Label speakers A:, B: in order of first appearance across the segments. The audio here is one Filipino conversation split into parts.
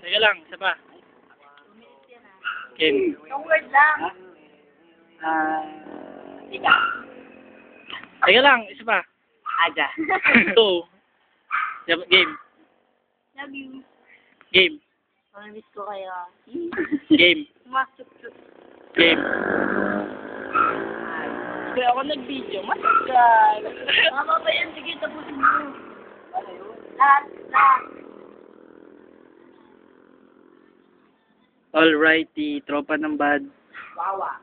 A: Teka lang, isa pa. Game.
B: Yung word lang.
C: Ika.
A: Teka lang, isa pa.
C: Aja.
A: 2. Game.
B: Love you.
A: Game.
B: Pamiss ko kayo.
A: Game.
B: Masuk-suk.
A: Game.
C: Kaya ako nag-video, matagal.
B: Tama ba yan? Sige, tapusin mo. Lahat.
A: Alrighty, tropa ng bad.
C: Wawa.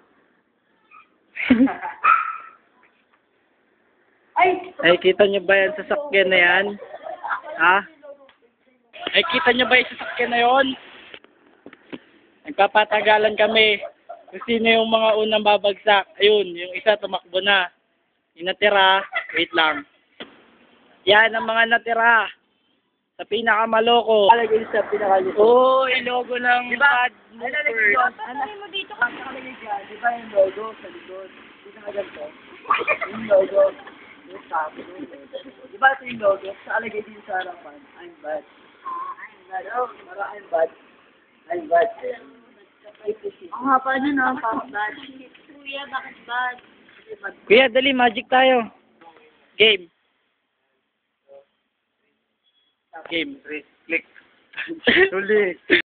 A: Ay, kita nyo ba yan sa sakyan na yan? Ha? Ay, kita nyo ba yung sasakyan na yon? Nagpapatagalan kami. Kung sino yung mga unang babagsak. Ayun, yung isa tumakbo na. Yung natira, wait lang. Yan ang mga natira. Sa pinakamaloko.
C: Alagay sa pinakaliko.
A: Oo, yung logo ng bad movers.
B: Ano mo dito ka?
C: Nakalagay dyan, di ba yung logo sa likod? Dito na ganito. Yung logo. Yung top. Di ba ito yung logo? Sa alagay din sa harapan. I'm bad. I'm bad. Oh, mara I'm bad. I'm bad.
B: Ang haba na no, parang bad. Kuya, bakit bad?
A: Kuya, dali, magic tayo. Game. Game. Click. Tuloy.